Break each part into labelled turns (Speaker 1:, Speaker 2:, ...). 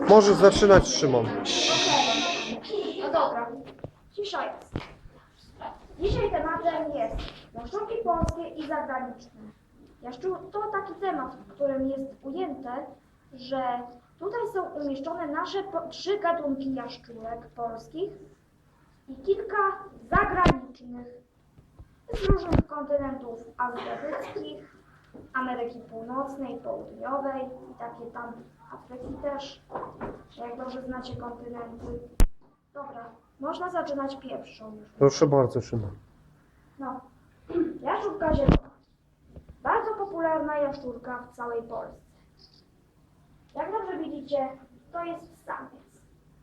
Speaker 1: Możesz zaczynać, Szymon.
Speaker 2: No dobra, cisza jest. Dzisiaj tematem jest jaszczurki polskie i zagraniczne. To taki temat, w którym jest ujęte, że tutaj są umieszczone nasze 3 gatunki jaszczurek polskich i kilka zagranicznych z różnych kontynentów azjatyckich, Ameryki Północnej, Południowej i takie tam Afryki też, jak dobrze znacie kontynenty. Dobra, można zaczynać pierwszą już.
Speaker 1: Proszę bardzo, Szymon.
Speaker 2: No, jaszczurka zielona. Bardzo popularna jaszczurka w całej Polsce. Jak dobrze widzicie, to jest samiec.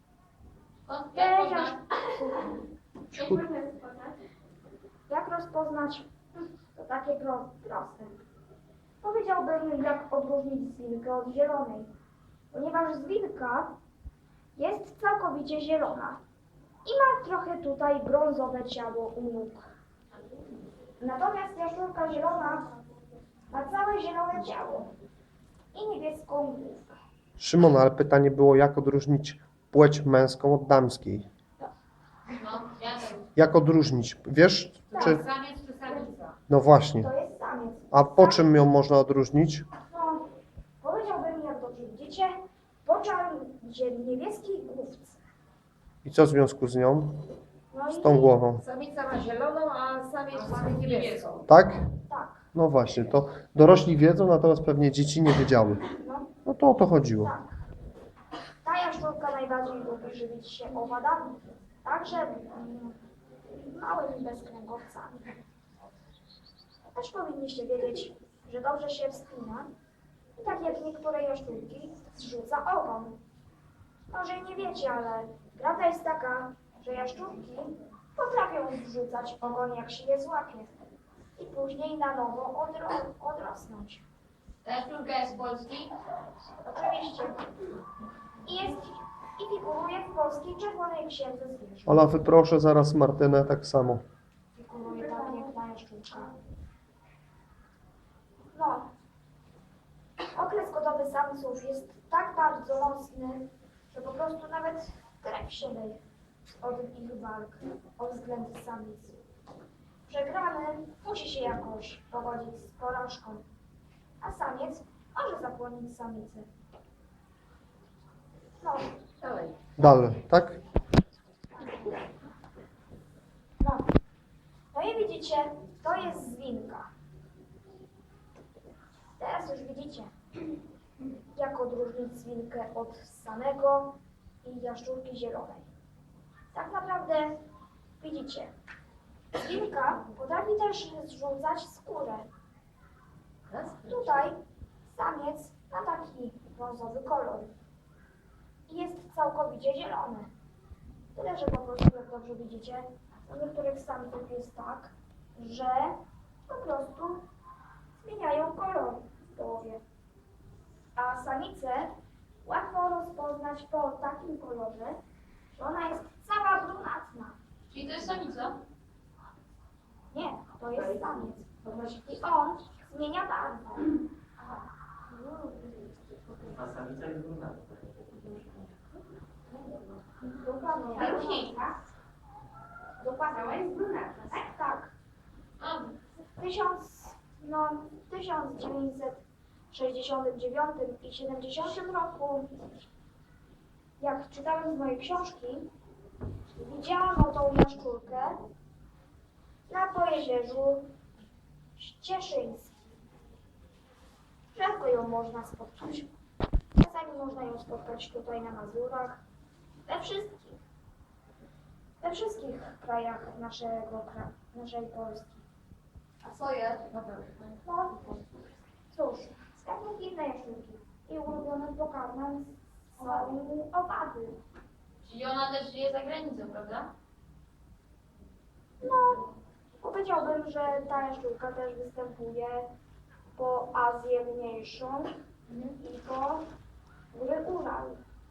Speaker 2: Jak rozpoznać? To takie proste. Powiedziałbym, jak odróżnić zwinkę od zielonej, ponieważ zwinka jest całkowicie zielona i ma trochę tutaj brązowe ciało u nóg. Natomiast jaszczurka zielona ma całe zielone ciało i niebieską główkę.
Speaker 1: Szymon, ale pytanie było, jak odróżnić płeć męską od damskiej?
Speaker 3: No, ja wiem.
Speaker 1: Jak odróżnić? Wiesz, czy...
Speaker 3: Samiec czy samica?
Speaker 1: No właśnie.
Speaker 2: To jest samiec.
Speaker 1: A po czym ją można odróżnić?
Speaker 2: No, powiedziałbym, jak dobrze widzicie, po niebieskiej główce.
Speaker 1: I co w związku z nią?
Speaker 2: No
Speaker 1: Z
Speaker 2: i
Speaker 1: tą głową?
Speaker 4: Samica ma zieloną, a samiec ma niebieską.
Speaker 1: Tak?
Speaker 2: tak,
Speaker 1: No właśnie, to dorośli wiedzą, natomiast pewnie dzieci nie wiedziały.
Speaker 2: no.
Speaker 1: No to o to chodziło.
Speaker 2: Tak. Ta jaszczurka najbardziej lubi żywić się owadami, także małymi bezkręgowcami. Też powinniście wiedzieć, że dobrze się wspina i tak jak niektóre jaszczurki zrzuca ogon. Może i nie wiecie, ale prawda jest taka, że jaszczurki potrafią zrzucać ogon, jak się je złapie i później na nowo odrosnąć.
Speaker 3: Ta jaszczurka jest z Polski?
Speaker 2: Oczywiście. I figuruje w polskiej Czerwonej Księdze Zwierząt.
Speaker 1: Ola, wyproszę zaraz Martynę tak samo.
Speaker 2: Figuruje ta piękna jaszczurka. No. Okres godowy samców jest tak bardzo mocny, że po prostu nawet krew się leje od ich walk o względy samic. Przegrany musi się jakoś pogodzić z porażką, a samiec może zapłonić samicę. No,
Speaker 4: Dalej.
Speaker 1: Dalej, tak?
Speaker 2: no. No i widzicie, to jest zwinka. Teraz już widzicie, jak odróżnić zwinkę od samego i jaszczurki zielonej. Tak naprawdę widzicie, zwinka potrafi też zrzucać skórę. Tutaj samiec ma taki brązowy kolor i jest całkowicie zielony. Tyle, że po prostu, jak dobrze widzicie, u niektórych samców jest tak, że po prostu zmieniają kolor w głowie. A samicę łatwo rozpoznać po takim kolorze, że ona jest cała brunatna.
Speaker 3: Czyli to jest samica?
Speaker 2: Nie, to jest samiec. I on zmienia barwę.
Speaker 5: A samica jest brunatna.
Speaker 2: Dokładnie. Dokładnie. Jest brunatna, tak? Tak.
Speaker 3: A,
Speaker 2: W 1969 i 70 roku, jak czytałem z mojej książki, widziałam tą jaszczurkę na Pojezierzu Cieszyńskim. Rzadko ją można spotkać. Czasami można ją spotkać tutaj na Mazurach, we wszystkich krajach naszej Polski.
Speaker 3: a co je?
Speaker 2: No, cóż, tak inne jaszczurki i ulubionym pokarmem są owady.
Speaker 3: Czyli ona też żyje za granicą, prawda?
Speaker 2: No, powiedziałbym, że ta jaszczurka też występuje po Azję Mniejszą i po góry Ural.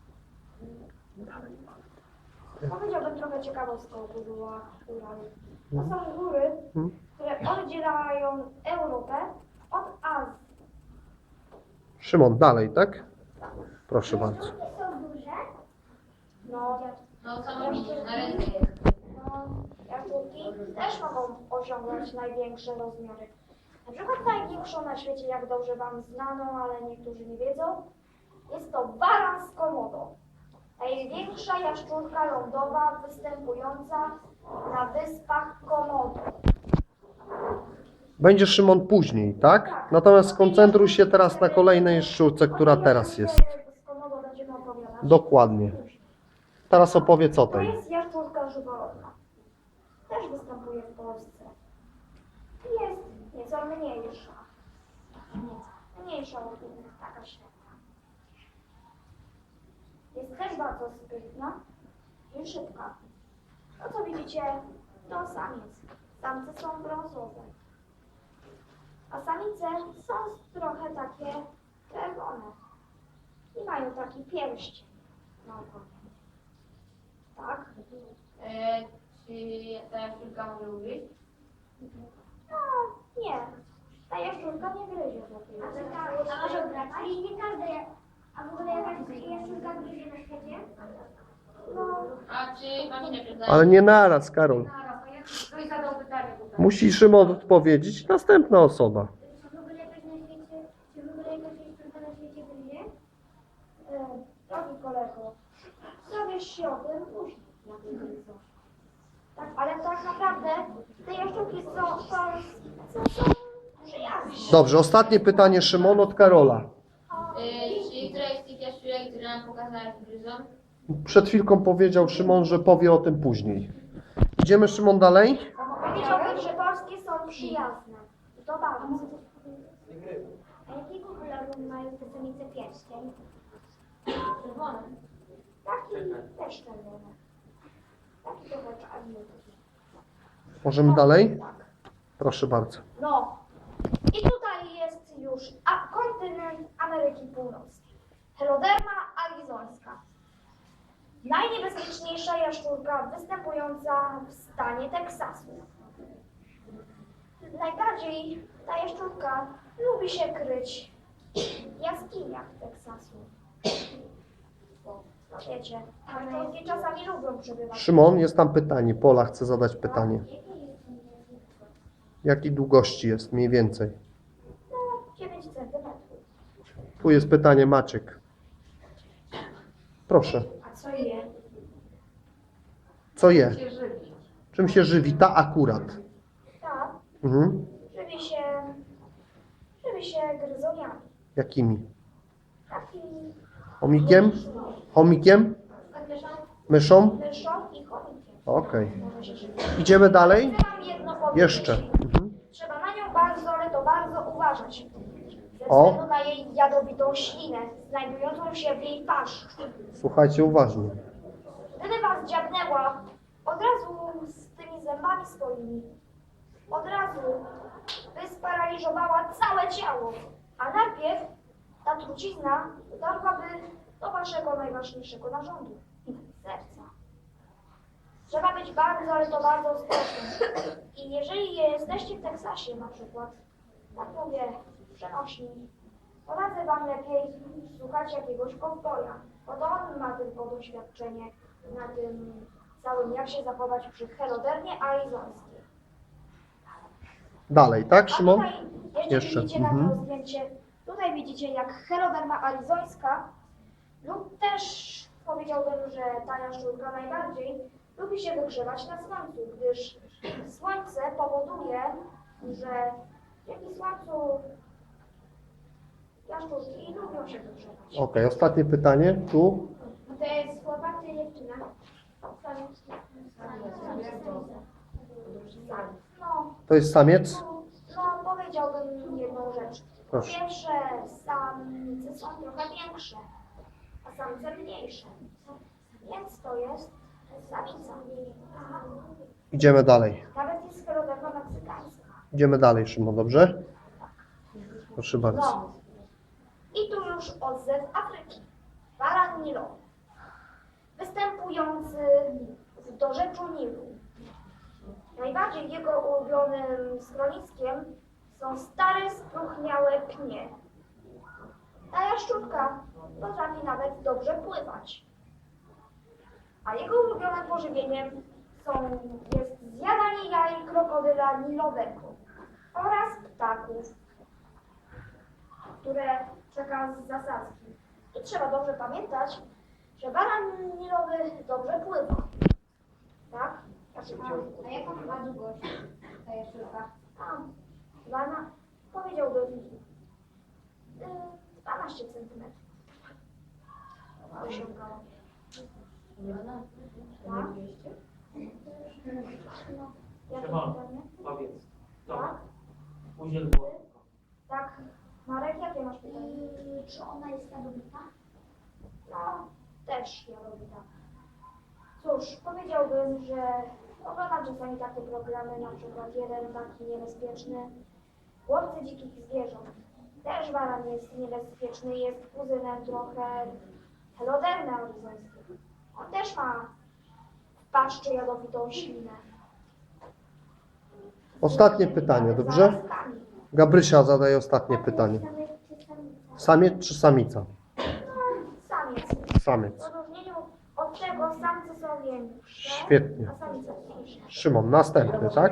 Speaker 2: Powiedziałbym trochę ciekawostką o górach Ural. To są góry, które oddzielają Europę od Azji.
Speaker 1: Szymon, dalej, tak? Proszę bardzo.
Speaker 2: Jaszczurki są duże
Speaker 3: No sama widzisz, na ręce jest.
Speaker 2: No, jaszczurki też mogą osiągnąć największe rozmiary. Na przykład największą na świecie, jak dobrze Wam znano, ale niektórzy nie wiedzą, jest to baran z Komodo. Największa jaszczurka lądowa występująca na wyspach Komodo.
Speaker 1: Będzie Szymon później, tak? Natomiast skoncentruj się teraz na kolejnej jaszczurce, która teraz jest.
Speaker 2: Z Komodo będziemy opowiadać.
Speaker 1: Dokładnie. Teraz opowiedz o
Speaker 2: To
Speaker 1: tej.
Speaker 2: jest jaszczurka żyworodna. Też występuje w Polsce. Jest nieco mniejsza. Mniejsza od innych, taka średnia. Jest też bardzo sprytna i szybka. To co widzicie, to samiec. Samce są brązowe. A samice są trochę takie czerwone. I mają taki pierścień na ogonie. Tak?
Speaker 3: Czy ta jaszczurka może ugryźć?
Speaker 2: No, nie. Ta jaszczurka nie gryzie w ogóle.
Speaker 6: A może brać? I nie każda, a w ogóle jakaś jaszczurka gryzie na świecie?
Speaker 2: No,
Speaker 3: A czy pani nie pyta?
Speaker 1: Ale nie naraz, Karol.
Speaker 4: Ktoś zadał pytanie tutaj.
Speaker 1: Musi Szymon odpowiedzieć, następna osoba.
Speaker 6: Czy w ogóle jakaś na świecie, czy w ogóle jakaś jaszczurka na świecie gryzie?
Speaker 2: drogi kolego, dowiesz się o tym później. Tak, ale tak naprawdę te jaszczurki są przyjazne.
Speaker 1: Dobrze, ostatnie pytanie Szymon od Karola.
Speaker 3: Czy któraś z tych jaszczurek, które nam pokazałeś, gryzą?
Speaker 1: Przed chwilką powiedział Szymon, że powie o tym później. Idziemy Szymon dalej?
Speaker 2: Powiedziałbym, że polskie są przyjazne. I to bardzo.
Speaker 6: A jakiego koloru mają te samice pierścień?
Speaker 3: Czerwone.
Speaker 2: Taki też czerwony. Taki trochę czarny.
Speaker 1: Możemy dalej?
Speaker 2: Tak.
Speaker 1: Proszę bardzo.
Speaker 2: No. I tutaj jest już kontynent Ameryki Północnej. Heloderma arizońska. Najniebezpieczniejsza jaszczurka występująca w stanie Teksasu. Najbardziej ta jaszczurka lubi się kryć w jaskiniach Teksasu. No wiecie, jaszczurki czasami lubią przebywać.
Speaker 1: Szymon, jest tam pytanie. Pola chce zadać pytanie. Jakiej długości jest mniej więcej?
Speaker 2: No, 9 centymetrów.
Speaker 1: Tu jest pytanie Maciek. Proszę.
Speaker 2: A co je?
Speaker 1: Co je?
Speaker 4: Się żywi.
Speaker 1: Czym się żywi ta akurat?
Speaker 2: Tak,
Speaker 1: Mhm.
Speaker 2: żywi się gryzoniami.
Speaker 1: Jakimi?
Speaker 2: Taki
Speaker 1: Chomikiem? Chomikiem? Myszą?
Speaker 2: myszą i chomikiem.
Speaker 1: Okej.
Speaker 2: Może się żywić.
Speaker 1: Idziemy dalej?
Speaker 2: Chcę wam jedno powiedzieć.
Speaker 1: Jeszcze. Mhm.
Speaker 2: Trzeba na nią bardzo, ale to bardzo uważać. Ze
Speaker 1: O.
Speaker 2: względu na jej jadowitą ślinę, znajdującą się w jej paszczu.
Speaker 1: Słuchajcie uważnie.
Speaker 2: Gdyby was dziabnęła, od razu z tymi zębami swoimi, od razu by sparaliżowała całe ciało. A najpierw ta trucizna dotarłaby do waszego najważniejszego narządu, serca. Trzeba być bardzo, ale to bardzo ostrożnym. I jeżeli jesteście w Teksasie na przykład, tak mówię, przenośni, poradzę wam lepiej słuchać jakiegoś kowboja, bo to on ma tylko doświadczenie na tym całym, jak się zachować przy helodermie arizońskiej.
Speaker 1: Dalej, tak
Speaker 2: A
Speaker 1: Szymon?
Speaker 2: tutaj
Speaker 1: Jeszcze.
Speaker 2: widzicie na
Speaker 1: Mhm.
Speaker 2: to zdjęcie, tutaj widzicie jak heloderma arizońska lub też powiedziałbym, że ta jaszczurka najbardziej lubi się wygrzewać na słońcu, gdyż słońce powoduje, że dzięki słońcu jaszczurki lubią się wygrzewać.
Speaker 1: Okej, ostatnie pytanie. Tu.
Speaker 6: To jest chłopak czy dziewczyna?
Speaker 2: No,
Speaker 1: To jest samiec?
Speaker 2: no powiedziałbym jedną rzecz. Po
Speaker 1: Proszę.
Speaker 2: pierwsze, samice są trochę większe, a samice mniejsze. Więc to jest samica.
Speaker 1: Idziemy dalej.
Speaker 2: Nawet jest heloderma meksykańska.
Speaker 1: Idziemy dalej, Szymon, dobrze? Proszę bardzo.
Speaker 2: No. I tu już odzew Afryki. Baran nilowy. Występujący w dorzeczu Nilu. Najbardziej jego ulubionym schroniskiem są stare, spróchniałe pnie. Ta jaszczurka potrafi nawet dobrze pływać. A jego ulubionym pożywieniem jest zjadanie jaj krokodyla nilowego oraz ptaków, które czeka z zasadzki. I trzeba dobrze pamiętać, że baran nilowy dobrze pływa. Tak?
Speaker 3: A jaką ma długość ta jaszczurka?
Speaker 2: Wana powiedziałbym 12 cm. Osiągała. Tak? No. Jakie
Speaker 5: Szymon,
Speaker 2: pytanie?
Speaker 5: powiedz.
Speaker 2: Tak?
Speaker 5: Dobra. Udziel głosu.
Speaker 2: Tak. Marek, jakie masz pytanie?
Speaker 6: Czy ona jest jadowita?
Speaker 2: No, też jadowita. Cóż, powiedziałbym, że oglądam czasami takie programy, na przykład jeden taki niebezpieczny, Łowcy dzikich zwierząt. Też baran jest niebezpieczny, jest kuzynem trochę helodermy aryzońskiej. On też ma w paszczy jadowitą ślinę.
Speaker 1: Ostatnie pytanie, dobrze?
Speaker 2: Zarazkami.
Speaker 1: Gabrysia zadaje ostatnie pytanie. Samiec czy samica?
Speaker 2: Samiec.
Speaker 1: Samiec.
Speaker 2: W odróżnieniu od tego samce są większe,
Speaker 1: Świetnie.
Speaker 2: a samice mniejsze.
Speaker 1: Szymon, następny, tak?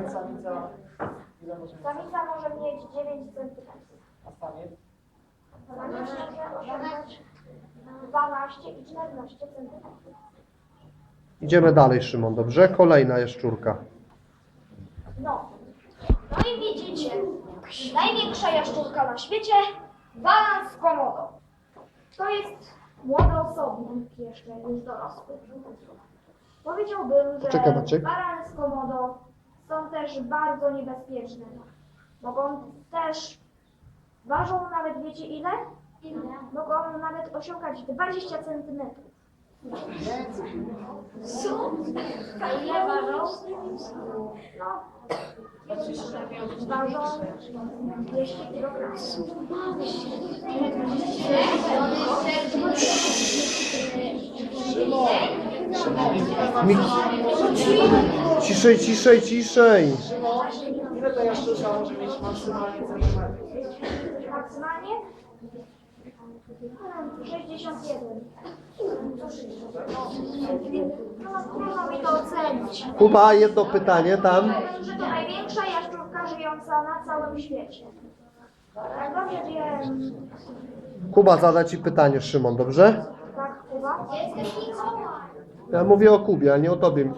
Speaker 2: Samica może mieć 9 cm. Samiec może osiągać 12 i 14 cm.
Speaker 1: Idziemy dalej, Szymon, dobrze? Kolejna jaszczurka.
Speaker 2: No. No i widzicie, największa jaszczurka na świecie, baran z komodo. To jest młody osobnik jeszcze, jest dorosły. Powiedziałbym, że
Speaker 1: Poczekaj, Maciek.
Speaker 2: barany z komodo są też bardzo niebezpieczne. Mogą też, ważą nawet, wiecie ile? Mogą nawet osiągać 20 cm. Co? Ile ważą? No, ważą 200 kg.
Speaker 1: Mi... Ciszej, ciszej, ciszej.
Speaker 7: Ile ta jaszczurka może mieć maksymalnie centymetrów?
Speaker 2: Maksymalnie? 61. No, trudno mi to ocenić.
Speaker 1: Kuba, jedno pytanie tam.
Speaker 2: Powiem, że to największa jaszczurka żyjąca na całym świecie. Jak dobrze wiem,
Speaker 1: Kuba zada ci pytanie, Szymon, dobrze?
Speaker 2: tak, Kuba?
Speaker 1: Ja mówię o Kubie, a nie o tobie.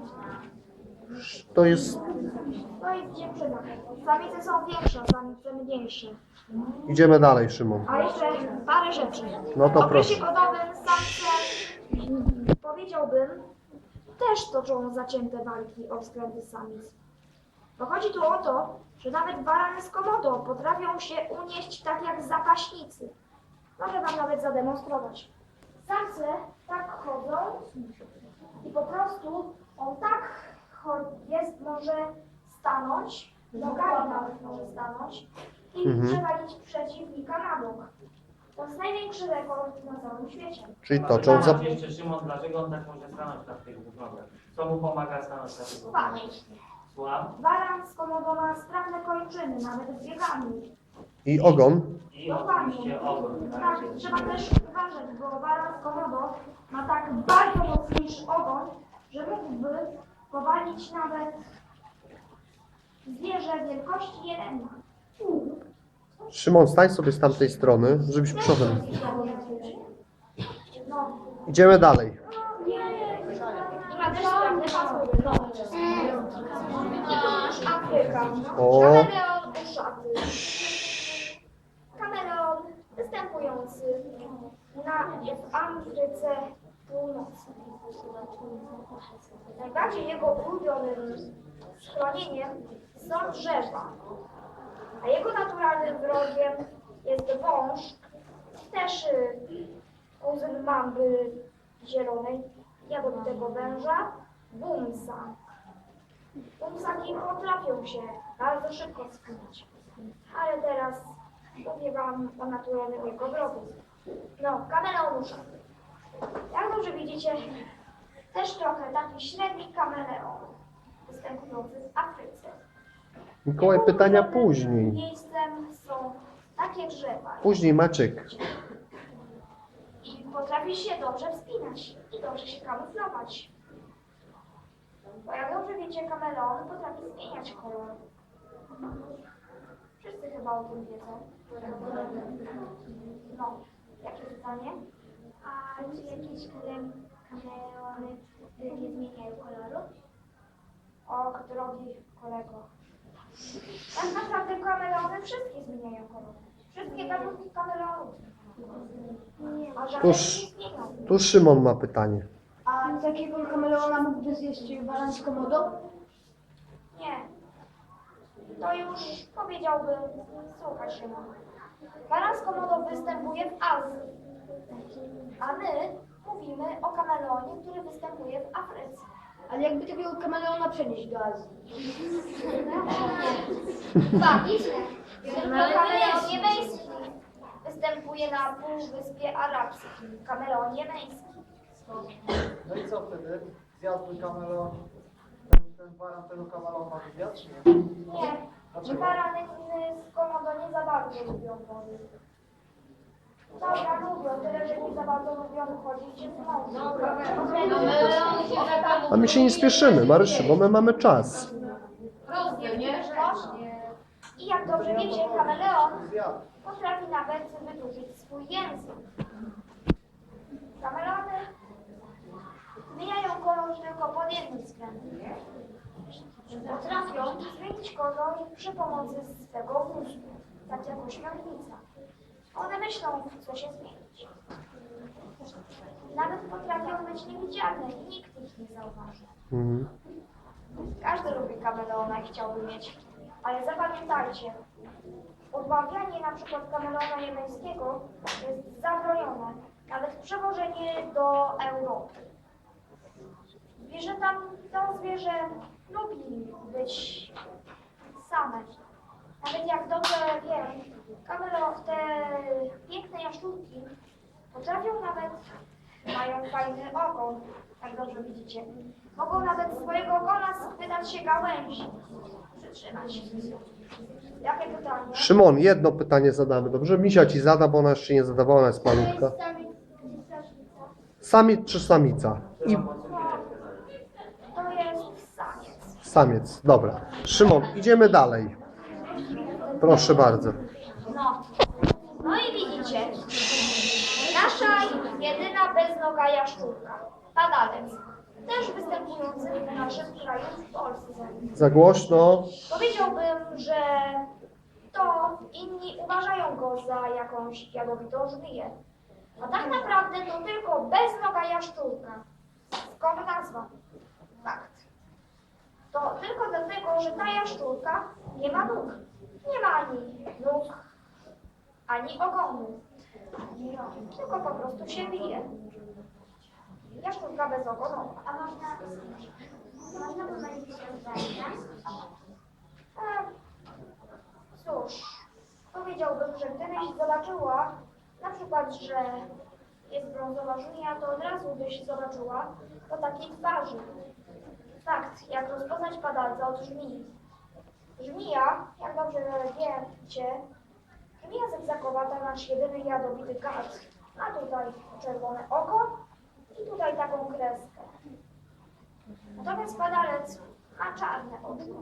Speaker 1: To jest...
Speaker 2: To jest dziewczyna. Samice są większe, samice mniejsze.
Speaker 1: Idziemy dalej, Szymon.
Speaker 2: A jeszcze parę rzeczy.
Speaker 1: No to
Speaker 2: W okresie
Speaker 1: proszę.
Speaker 2: godowym samce, powiedziałbym, też toczą zacięte walki o względy samic. Bo chodzi tu o to, że nawet barany z komodo potrafią się unieść tak jak zapaśnicy. Mogę wam nawet zademonstrować. Samce tak chodzą i po prostu on tak jest, może stanąć, nogami nawet może stanąć i przewalić przeciwnika na bok. To jest największy rekord na całym świecie.
Speaker 1: Czyli toczą za...
Speaker 5: Jeszcze Szymon, dlaczego on tak może stanąć na tych dwóch nogach? Co mu pomaga stanąć na tych dwóch
Speaker 2: Uwaga.
Speaker 5: nogach? Słucham?
Speaker 2: Baran z komodo ma sprawne kończyny, nawet z biegami.
Speaker 1: I ogon.
Speaker 5: I oczywiście ogon.
Speaker 2: Tak, trzeba też uważać, bo baran z komodo ma tak bardzo mocniejszy ogon, że mógłby powalić nawet zwierzę wielkości jelenia.
Speaker 1: Szymon, stań sobie z tamtej strony, żebyś przodem.
Speaker 2: No.
Speaker 1: Idziemy dalej.
Speaker 2: Trzeba też sprawne hasło. Afryka.
Speaker 1: O.
Speaker 2: Kameleon uszaty. Kameleon występujący w Afryce Północnej. Najbardziej jego ulubionym schronieniem są drzewa, a jego naturalnym wrogiem jest wąż, też kuzyn mamby zielonej, jadowitego węża, bumsa. Bumsaki potrafią się bardzo szybko spinać, ale teraz mówię wam o naturalnym jego wrogu. No, kameleonusza. Jak dobrze widzicie, też trochę taki średni kameleon występujący w Afryce.
Speaker 1: Mikołaj, pytania później.
Speaker 2: Miejscem są takie drzewa
Speaker 1: Później, Maciek.
Speaker 2: i potrafi się dobrze wspinać. I dobrze się kamuflować. Bo jak dobrze wiecie, kameleon potrafi zmieniać kolor. Wszyscy chyba o tym wiedzą. No, jakie pytanie?
Speaker 6: A czy jakieś kameleony nie zmieniają koloru?
Speaker 2: Och, drogi kolego. Tak naprawdę kameleony wszystkie zmieniają kolor. Wszystkie gatunki kameleonów. A żadne nie zmienią.
Speaker 1: Tu Szymon ma pytanie.
Speaker 8: A takiego kameleona mógłby zjeść baran z Komodo?
Speaker 2: Nie. To już powiedziałbym, słuchaj Szymon. Baran z Komodo występuje w Azji. A my mówimy o kameleonie, który występuje w Afryce.
Speaker 8: Ale jakby takiego kameleona przenieść do Azji?
Speaker 2: Fakt. Kameleon jemeński występuje na Półwyspie Arabskim. Kameleon jemeński.
Speaker 7: No i co wtedy? Zjadłby kameleon, ten baran tego kameleona zjadł, czy nie?
Speaker 2: Nie. Barany z Komodo nie za bardzo lubią wody. Dobra, lubią, tyle, że nie za bardzo lubią chodzić się z mążem.
Speaker 3: Melony się tak
Speaker 1: A my się nie spieszymy, Marysiu, bo my mamy czas.
Speaker 3: rozumie, nie?
Speaker 2: I jak dobrze wiecie, kameleon
Speaker 7: Zjadł.
Speaker 2: potrafi nawet wydłużyć swój język. Kameleony zmieniają kolor tylko pod jednym względem. Potrafią zmienić kolor przy pomocy swego mózgu, tak jak ośmiornica. One myślą, co się zmienić. Nawet potrafią być niewidzialne i nikt ich nie zauważy.
Speaker 1: Mhm.
Speaker 2: Każdy lubi kameleona i chciałby mieć. Ale zapamiętajcie, odmawianie na przykład kameleona jemeńskiego jest zabronione. Nawet przewożenie do Europy. To zwierzę lubi być same. Nawet jak dobrze wiem, te piękne jaszczurki potrafią nawet, mają fajny ogon, jak dobrze widzicie. Mogą nawet swojego ogona schwytać się gałęzi. Przytrzymać. Jakie pytanie?
Speaker 1: Szymon, jedno pytanie zadamy, dobrze? Misia ci zada, bo ona jeszcze nie zadawała, ona jest malutka. Samiec czy samica? I
Speaker 2: To jest samiec.
Speaker 1: samiec, dobra. Szymon, idziemy dalej. Proszę bardzo.
Speaker 2: No i widzicie, nasza jedyna beznoga jaszczurka, padalec, też występujący w naszym kraju, w Polsce.
Speaker 1: Za głośno.
Speaker 2: Powiedziałbym, że to inni uważają go za jakąś jadowitą żmiję. A tak naprawdę to tylko beznoga jaszczurka. Skąd nazwa? Fakt. To tylko dlatego, że ta jaszczurka nie ma nóg. Nie ma ani nóg, ani ogonu. Tylko po prostu się bije. Jaszczurka bezogonowa.
Speaker 6: A można pomylić się z zajcem?
Speaker 2: Cóż, powiedziałbym, że gdybyś zobaczyła na przykład, że jest brązowa żmija, to od razu byś zobaczyła po takiej twarzy. Fakt, jak rozpoznać padalca od żmii. Żmija, jak dobrze wiecie, żmija zygzakowa to nasz jedyny jadowity gad. Ma tutaj czerwone oko i tutaj taką kreskę. Natomiast padalec ma czarne oczy.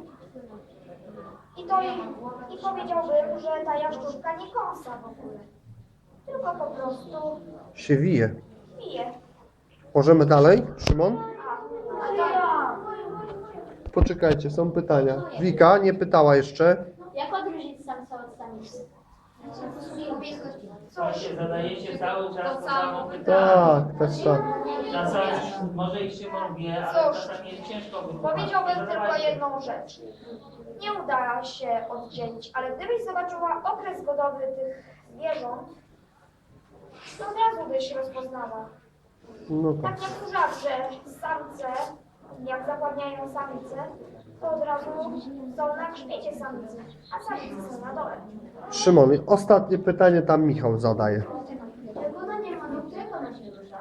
Speaker 2: I powiedziałbym, że ta jaszczurka nie kąsa w ogóle, tylko po prostu
Speaker 1: Się wije.
Speaker 2: pije.
Speaker 1: Możemy dalej, Szymon?
Speaker 2: A
Speaker 1: Poczekajcie, są pytania. Wika nie pytała jeszcze.
Speaker 6: Jak odróżnić samca od samicy?
Speaker 5: Słuchajcie, zadajecie cały czas to samo pytanie.
Speaker 1: Tak, tak, tak.
Speaker 5: Czasami, może i Szymon wie, ale
Speaker 2: Cóż,
Speaker 5: czasami jest ciężko wytłumaczyć.
Speaker 2: powiedziałbym tylko
Speaker 5: Zadawajcie.
Speaker 2: jedną rzecz. Nie uda się oddzielić, ale gdybyś zobaczyła okres godowy tych zwierząt, to od razu byś rozpoznała.
Speaker 1: No tak.
Speaker 2: Tak jak kurzacze, samce, jak zapładniają samice, to od razu są na grzbiecie samicy, a samice są na dole.
Speaker 1: Szymon, ostatnie pytanie tam Michał zadaje.
Speaker 6: Jak ona nie ma nóg, jak ona się rusza?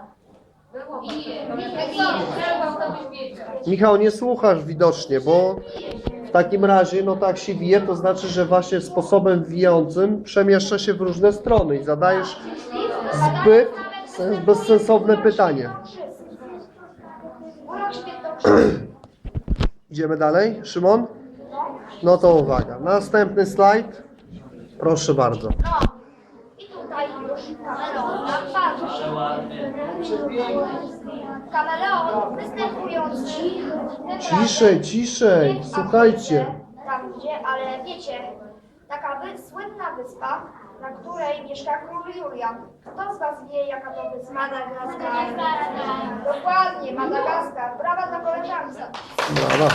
Speaker 1: Michał, nie słuchasz widocznie, bo w takim razie, no tak się wije, to znaczy, że właśnie sposobem wijącym przemieszcza się w różne strony i zadajesz zbyt bezsensowne pytanie. Idziemy dalej, Szymon? No to uwaga, następny slajd. Proszę bardzo.
Speaker 2: No i tutaj już kameleon nam bardzo
Speaker 5: Ale
Speaker 2: się.
Speaker 5: ładnie.
Speaker 2: Kameleon występujący tym
Speaker 1: Ciszej,
Speaker 2: razem
Speaker 1: ciszej,
Speaker 2: nie w
Speaker 1: słuchajcie.
Speaker 2: Afryce, tam gdzie, ale wiecie, taka słynna wyspa, na której mieszka król Julian. Kto z was wie, jaka to wyspa? Madagaskar. Dokładnie, Madagaskar. Brawa dla koleżanki.
Speaker 1: Brawa.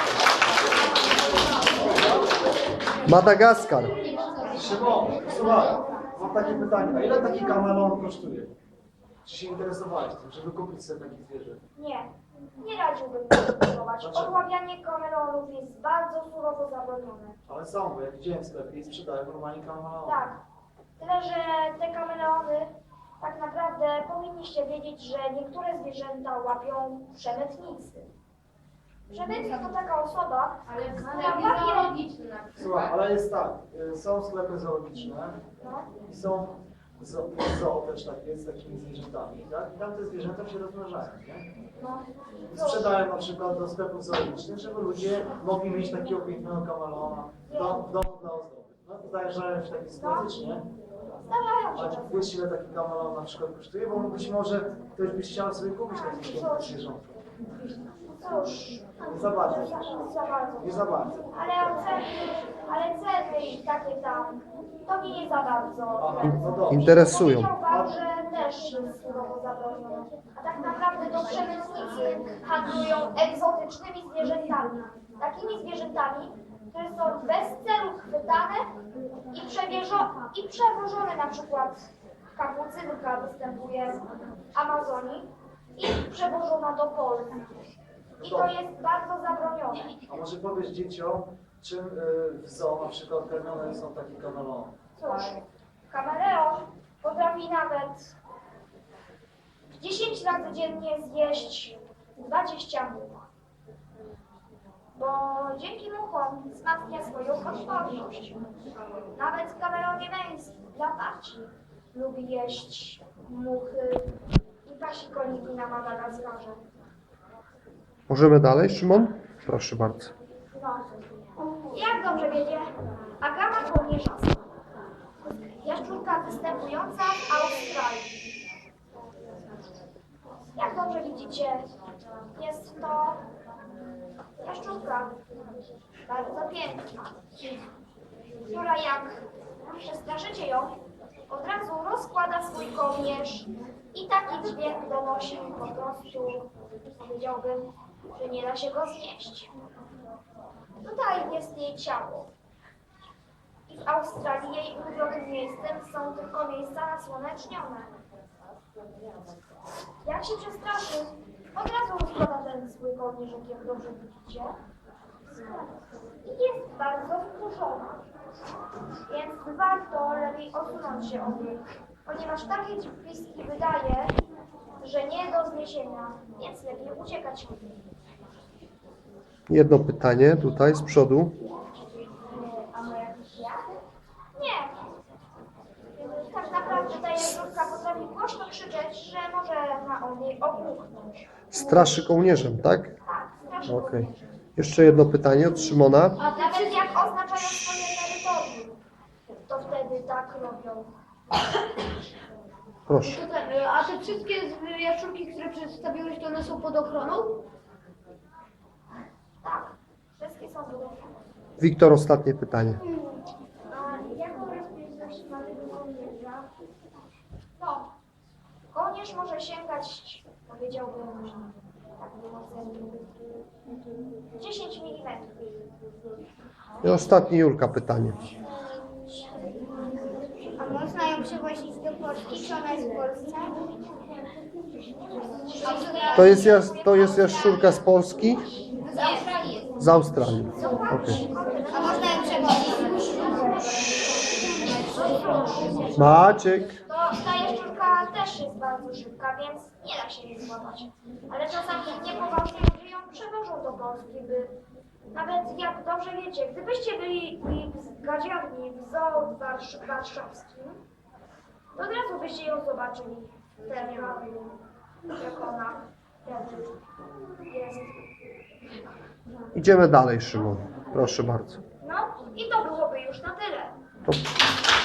Speaker 1: Madagaskar.
Speaker 7: Szymon, słuchaj, mam takie pytanie. A ile taki kameleon kosztuje? Czy się interesowałeś tym, żeby kupić sobie takie zwierzę?
Speaker 2: Nie radziłbym tego kupować.
Speaker 7: Dlaczego?
Speaker 2: Odławianie kameleonów jest bardzo surowo zabronione.
Speaker 7: Ale są, bo jak widziałem w sklepie i sprzedają normalnie kameleon.
Speaker 2: Tak. Tyle, że te kameleony, tak naprawdę powinniście wiedzieć, że niektóre zwierzęta łapią przemytnicy. Przemytnik to taka osoba, która łapie...
Speaker 7: Słuchaj, ale jest tak, są sklepy zoologiczne
Speaker 2: No,
Speaker 7: i są zoo też takie z takimi zwierzętami, tak? I tam te zwierzęta się rozmnażają, nie?
Speaker 2: no.
Speaker 7: I sprzedają na przykład do sklepów zoologicznych, żeby ludzie mogli mieć takiego pięknego kameleona w domu dla ozdoby. No, zdarzają się takie sytuacje, czy nie?
Speaker 2: Zdarzają
Speaker 7: Ale
Speaker 2: się
Speaker 7: czy
Speaker 2: czasem.
Speaker 7: wiesz, ile taki kameleon na przykład kosztuje? Bo być może ktoś by chciał sobie kupić takie zwierzątko.
Speaker 2: Cóż,
Speaker 7: Nie za bardzo.
Speaker 2: za bardzo.
Speaker 7: Nie za bardzo.
Speaker 2: Ale ceny i takie tam, to mnie nie za bardzo.
Speaker 7: Aha, no dobrze.
Speaker 1: Interesują.
Speaker 2: Powiedział pan, że też jest surowo zabronione. A tak naprawdę to przemytnicy handlują egzotycznymi zwierzętami. Takimi zwierzętami, które są bez celu chwytane i przewożone, na przykład kapucynka występuje w Amazonii i przewożona do Polski. I to jest bardzo zabronione.
Speaker 7: A może powiesz dzieciom, czym w zoo na przykład karmione są takie kameleony?
Speaker 2: Cóż, kameleon potrafi nawet 10 razy dziennie zjeść 20 much. Bo dzięki muchom wzmacnia swoją odporność. Nawet kameleon jemeński dla paci lubi jeść muchy i pasikoniki na Madagaskarze.
Speaker 1: Możemy dalej, Szymon? Proszę bardzo.
Speaker 2: No, jak dobrze wiecie, agama kołnierzasta. Jaszczurka występująca w Australii. Jak dobrze widzicie, jest to jaszczurka bardzo piękna, która jak przestraszycie ją, od razu rozkłada swój kołnierz i taki dźwięk donosi po prostu, powiedziałbym, że nie da się go znieść. Tutaj jest jej ciało. I w Australii jej ulubionym miejscem są tylko miejsca nasłonecznione. Jak się przestraszy, od razu rozkłada ten swój kołnierzyk, jak dobrze widzicie. I jest bardzo wkurzona. Więc warto lepiej odsunąć się od niej, ponieważ takie piski wydaje, że nie do zniesienia, więc lepiej uciekać od niej.
Speaker 1: Jedno pytanie tutaj z przodu.
Speaker 2: A moja ja? Nie. Tak naprawdę ta jaszczurka potrafi głośno krzyczeć, że może na niej obuchnąć.
Speaker 1: Straszy kołnierzem, tak?
Speaker 2: Tak, strasznie.
Speaker 1: Okej. Jeszcze jedno pytanie od Szymona.
Speaker 2: A nawet jak oznaczają swoje terytorium, to wtedy tak robią.
Speaker 1: Proszę.
Speaker 8: A te wszystkie jaszczurki, które przedstawiłeś, to one są pod ochroną?
Speaker 2: Tak, wszystkie są podobne.
Speaker 1: Wiktor, ostatnie pytanie.
Speaker 6: A jaką rozpiętość ma tego kołnierza?
Speaker 2: No, kołnierz może sięgać, powiedziałbym, tak wymodzeniu, 10 mm.
Speaker 1: I ostatnie Julka pytanie.
Speaker 6: A można ją przywozić do Polski? Czy ona jest w Polsce?
Speaker 1: To jest jaszczurka z Polski?
Speaker 3: Z Australii jest.
Speaker 1: Z Australii. Okej.
Speaker 6: A można ją przewozić?
Speaker 1: Maciek.
Speaker 2: To ta jaszczurka też jest bardzo szybka, więc nie da się jej złapać. Ale czasami niepoważni ludzie ją przewożą do Polski, by nawet jak dobrze wiecie, gdybyście byli w gadziarni w zoo warszawskim, to od razu byście ją zobaczyli w terenie, jak ona Jest.
Speaker 1: Idziemy dalej, Szymon. Proszę bardzo.
Speaker 2: No i to byłoby już na tyle.
Speaker 1: To